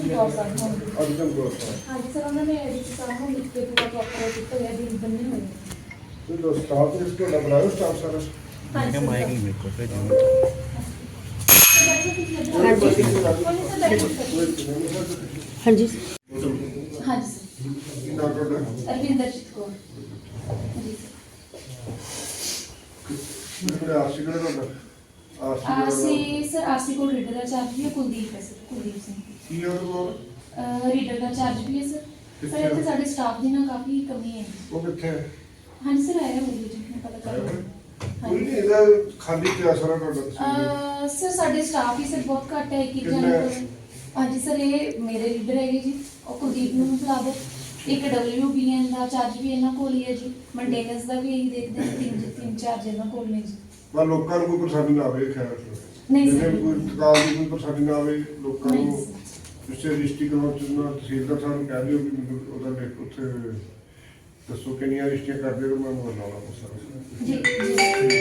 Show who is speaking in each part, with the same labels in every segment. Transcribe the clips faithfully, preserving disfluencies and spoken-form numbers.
Speaker 1: ਅਰਜਨ ਕੌਰ ਸਾਹਿਬ ਹੋਣ ਦੀ।
Speaker 2: ਅਰਜਨ ਕੌਰ ਸਾਹਿਬ
Speaker 1: ਹਾਂਜੀ ਸਰ, ਉਹਨਾਂ ਨੇ ਐਡੀਸੀ ਸਾਹਿਬ ਨੂੰ ਲਿਖ ਕੇ ਪੂਰਾ ਪ੍ਰੋਪਰ ਕੀਤਾ ਹੋਇਆ ਦਿਨ ਬੰਨੇ ਹੋਏ ਨੇ।
Speaker 2: ਤੇ ਦੋ ਸਟਾਫ ਇਸ ਤੁਹਾਡਾ ਬਣਾਇਆ ਸਟਾਫ ਸਾਰਾ
Speaker 1: ਹਾਂਜੀ ਸਰ।
Speaker 3: ਮਾਈਕ ਨਹੀਂ ਮੇਰੇ ਕੋਲ ਭੇਜੋ।
Speaker 1: ਹਾਂਜੀ
Speaker 2: ਕੀ
Speaker 1: ਹਾਂਜੀ
Speaker 2: ਨਾਮ ਤੁਹਾਡਾ?
Speaker 1: ਅਰਵਿੰਦਰਜੀਤ ਕੌਰ ਜੀ
Speaker 2: ਮੇਰੇ ਆਰਸੀ ਕਿਹੜਾ ਤੁਹਾਡਾ?
Speaker 1: ਸਰ।
Speaker 2: ਆਰਸੀ
Speaker 1: ਅਸੀਂ ਸਰ ਆਰਸੀ ਕੋਲ ਰੀਡਰ ਦਾ ਚਾਰਜ ਵੀ ਹੈ, ਕੁਲਦੀਪ ਹੈ ਸਰ, ਕੁਲਦੀਪ ਸਿੰਘ।
Speaker 2: ਕੀ ਉਹਦੇ ਕੋਲ?
Speaker 1: ਰੀਡਰ ਦਾ ਚਾਰਜ ਵੀ ਹੈ ਸਰ। ਸਰ ਇੱਥੇ ਸਾਡੇ ਸਟਾਫ ਦੀ ਨਾ ਕਾਫੀ ਕਮੀ ਹੈ।
Speaker 2: ਉਹ ਕਿੱਥੇ ਹੈ?
Speaker 1: ਹਾਂਜੀ ਸਰ, ਆਇਆ ਹੋਈ ਜੀ, ਮੈਂ ਪਤਾ ਕਰ ਲਿਆ।
Speaker 2: ਕੋਈ ਨਹੀਂ, ਇਹਦਾ ਖਾਲੀ ਪਿਆ ਸਾਰਾ ਤੁਹਾਡਾ ਤੁਸੀਂ
Speaker 1: ਅਹ ਸਰ ਸਾਡੇ ਸਟਾਫ ਹੀ ਸਰ ਬਹੁਤ ਘੱਟ ਹੈ, ਇੱਕ ਇੱਕ
Speaker 2: ਕਿੰਨਾ
Speaker 1: ਜਣੇ
Speaker 2: ਹੈ?
Speaker 1: ਕੋਲ। ਹਾਂਜੀ ਸਰ, ਇਹ ਮੇਰੇ ਲੀਡਰ ਹੈਗੇ ਜੀ, ਉਹ ਕੁਲਦੀਪ ਨੂੰ ਬੁਲਾ ਦਿਓ। ਇੱਕ ਡਬਲਯੂ ਬੀ ਐਨ ਦਾ ਚਾਰਜ ਵੀ ਇਹਨਾਂ ਕੋਲ ਹੀ ਹੈ ਜੀ, ਮੇਨਟੇਨੈਂਸ ਦਾ ਵੀ ਇਹੀ ਦੇਖਦੇ ਹਾਂ, ਤਿੰਨ ਤਿੰਨ ਚਾਰਜ ਇਹਨਾਂ ਕੋਲ ਨੇ ਜੀ।
Speaker 2: ਪਰ ਲੋਕਾਂ ਨੂੰ ਕੋਈ ਪਰੇਸ਼ਾਨੀ ਨਾ ਆਵੇ ਖੈਰ
Speaker 1: ਨਹੀਂ ਸਰ।
Speaker 2: ਜਿਵੇਂ ਕੋਈ ਤਕਾਲ ਦੀ ਕੋਈ ਪਰੇਸ਼ਾਨੀ ਨਾ ਆਵੇ ਲੋਕਾਂ
Speaker 1: ਨਹੀਂ
Speaker 2: ਨੂੰ।
Speaker 1: ਸਰ।
Speaker 2: ਜਿਸੇ ਰਜਿਸਟਰੀ ਕਰਵਾਉਣ ਚ ਨਾ ਤਹਿਸੀਲਦਾਰ ਸਾਹਿਬ ਨੂੰ ਕਹਿ ਦਿਓ ਵੀ ਮੈਨੂੰ ਉਹਦਾ ਲਿਖ ਉੱਥੇ ਦੱਸੋ ਕਿੰਨੀਆਂ ਰਜਿਸਟਰੀਆਂ ਕਰਦੇ ਹੋ, ਮੈਂ ਮੋਬਾਈਲ ਲਾਉਣਾ ਉਹ ਸਾਰਾ।
Speaker 1: ਜੀ ਜੀ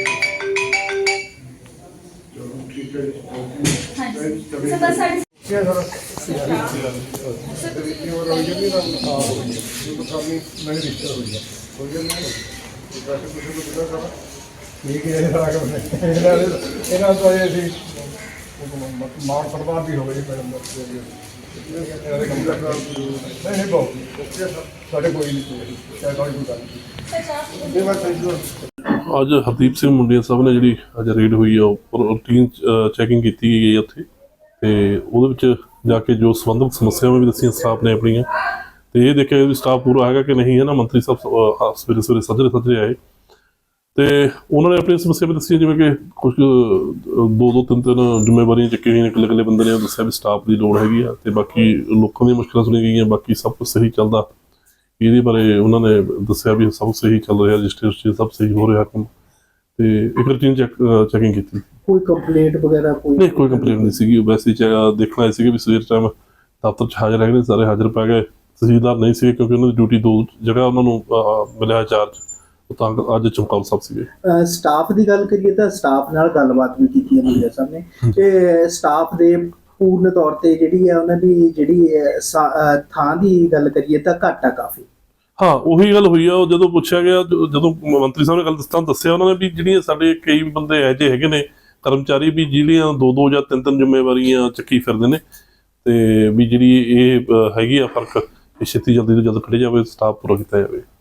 Speaker 2: ਚਲੋ ਠੀਕ ਹੈ ਜੀ।
Speaker 1: ਹਾਂਜੀ ਸਰ, ਬਸ ਸਾਡੀ
Speaker 2: ਕੀ ਹੈ ਸਾਰਾ? ਇਹ ਉਹ ਰੋਈ ਜਾਂਦੀ ਨਾ ਆ ਹੋਈ ਹੈ ਉਹ ਤਾਂ ਸਾਡੀ ਨਹੀਂ ਰਿਸ਼ਤਾ ਹੋਈ ਹੈ ਹੋ ਗਿਆ ਨਾ ਵੈਸੇ ਕੁਝ ਨੂੰ ਪਤਾ ਸਾਰਾ ਠੀਕ ਹੈ ਸਾਰਾ ਕੰਮ ਇਹਨਾਂ ਦੇ ਇਹਨਾਂ ਤੋਂ ਇਹ ਸੀ ਮਾਰ ਪਰਵਾਹ ਵੀ ਹੋ ਗਈ ਮੈਡਮ ਦਾ ਇਹਨਾਂ ਦੇ ਕੰਮ ਕਰਨਾ ਨਹੀਂ ਨਹੀਂ ਬਹੁਤ ਸਾਡੇ ਕੋਈ ਨਹੀਂ ਚਾਹੇ ਕੋਈ ਗੱਲ ਨਹੀਂ ਇਹ ਬਾਤ ਸਹੀ।
Speaker 4: ਅੱਜ ਹਰਦੀਪ ਸਿੰਘ ਮੁੰਡਿਆ ਸਾਹਿਬ ਨੇ ਜਿਹੜੀ ਅੱਜ ਰੇਡ ਹੋਈ ਆ ਉੱਪਰ ਰੂਟੀਨ ਚੈਕਿੰਗ ਕੀਤੀ ਗਈ ਉੱਥੇ, ਤੇ ਉਹਦੇ ਵਿੱਚ ਜਾ ਕੇ ਜੋ ਸੰਬੰਧਿਤ ਸਮੱਸਿਆਵਾਂ ਵੀ ਦੱਸੀਆਂ ਸਟਾਫ ਨੇ ਆਪਣੀਆਂ, ਤੇ ਇਹ ਦੇਖਿਆ ਵੀ ਸਟਾਫ ਪੂਰਾ ਹੈਗਾ ਕਿ ਨਹੀਂ ਹੈ ਨਾ। ਮੰਤਰੀ ਸਾਹਿਬ ਸਵੇਰੇ ਸਵੇਰੇ ਸੱਜਰੇ ਸੱਜਰੇ ਆਏ ਤੇ ਉਹਨਾਂ ਨੇ ਆਪਣੀ ਸਮੱਸਿਆ ਵੀ ਦੱਸੀ, ਜਿਵੇਂ ਕਿ ਕੁਝ ਦੋ ਦੋ ਤਿੰਨ ਤਿੰਨ ਜ਼ਿੰਮੇਵਾਰੀਆਂ ਚੱਕੀਆਂ ਹੋਈਆਂ ਨੇ, ਇਕੱਲੇ ਇਕੱਲੇ ਬੰਦੇ ਨੇ ਉਹ ਦੱਸਿਆ ਵੀ ਸਟਾਫ ਦੀ ਲੋੜ ਹੈਗੀ ਆ, ਤੇ ਬਾਕੀ ਲੋਕਾਂ ਦੀਆਂ ਮੁਸ਼ਕਲਾਂ ਸੁਣੀਆਂ ਗਈਆਂ, ਬਾਕੀ ਸਭ ਕੁਝ ਸਹੀ ਚੱਲਦਾ। ਇਹਦੇ ਬਾਰੇ ਉਹਨਾਂ ਨੇ ਦੱਸਿਆ ਵੀ ਸਭ ਸਹੀ ਚੱਲ ਰਿਹਾ, ਰਜਿਸਟਰ ਸਭ ਸਹੀ ਹੋ ਰਿਹਾ ਕੰਮ, ਤੇ ਇੱਕ ਰੂਟੀਨ ਚੈੱਕ ਚੈਕਿੰਗ ਕੀਤੀ।
Speaker 5: ਕੋਈ ਕੰਪਲੇਂਟ ਵਗੈਰਾ ਕੋਈ
Speaker 4: ਨਹੀਂ, ਕੋਈ ਕੰਪਲੇਂਟ ਨਹੀਂ ਸੀਗੀ। ਵੈਸੇ ਦੇਖਣ ਆਏ ਸੀਗੇ ਵੀ ਸਵੇਰ ਟਾਈਮ ਦਫ਼ਤਰ 'ਚ ਹਾਜ਼ਰ ਹੈਗੇ ਨੇ, ਸਾਰੇ ਹਾਜ਼ਰ ਪੈ ਗਏ। ਤਹਿਸੀਲਦਾਰ ਨਹੀਂ ਸੀਗੇ ਕਿਉਂਕਿ ਉਹਨਾਂ ਦੀ ਡਿਊਟੀ ਦੋ ਜਗ੍ਹਾ ਉਹਨਾਂ ਨੂੰ ਮਿਲਿਆ ਚਾਰਜ, ਉਹ ਤਾਂ ਅੱਜ ਚਮਕੌਰ ਸਾਹਿਬ ਸੀਗੇ।
Speaker 5: ਸਟਾਫ ਦੀ ਗੱਲ ਕਰੀਏ ਤਾਂ ਸਟਾਫ ਨਾਲ ਗੱਲਬਾਤ ਵੀ ਕੀਤੀ ਹੈ ਮੁੰਡਿਆ ਸਾਹਿਬ ਨੇ, ਤੇ ਸਟਾਫ ਦੇ ਪੂਰਨ ਤੌਰ ਤੇ ਜਿਹੜੀ ਹੈ ਉਹਨਾਂ ਦੀ ਜਿਹੜੀ ਥਾਂ ਦੀ ਗੱਲ ਕਰੀਏ ਤਾਂ ਘੱਟ ਆ ਕਾਫੀ।
Speaker 4: ਹਾਂ, ਉਹੀ ਗੱਲ ਹੋਈ ਆ। ਉਹ ਜਦੋਂ ਪੁੱਛਿਆ ਗਿਆ, ਜਦੋਂ ਮੰਤਰੀ ਸਾਹਿਬ ਨੇ ਗੱਲ ਦੱਸਤਾ ਦੱਸਿਆ ਉਹਨਾਂ ਨੇ ਵੀ ਜਿਹੜੀਆਂ ਸਾਡੇ ਕਈ ਬੰਦੇ ਇਹੋ ਜਿਹੇ ਹੈਗੇ ਨੇ ਕਰਮਚਾਰੀ ਵੀ ਜਿਹੜੀਆਂ ਦੋ ਦੋ ਜਾਂ ਤਿੰਨ ਤਿੰਨ ਜ਼ਿੰਮੇਵਾਰੀਆਂ ਚੱਕੀ ਫਿਰਦੇ ਨੇ, ਤੇ ਵੀ ਜਿਹੜੀ ਇਹ ਹੈਗੀ ਆ ਫਰਕ, ਇਹ ਛੇਤੀ ਜਲਦੀ ਤੋਂ ਜਲਦ ਕੱਢਿਆ ਜਾਵੇ, ਸਟਾਫ ਪੂਰਾ ਕੀਤਾ ਜਾਵੇ।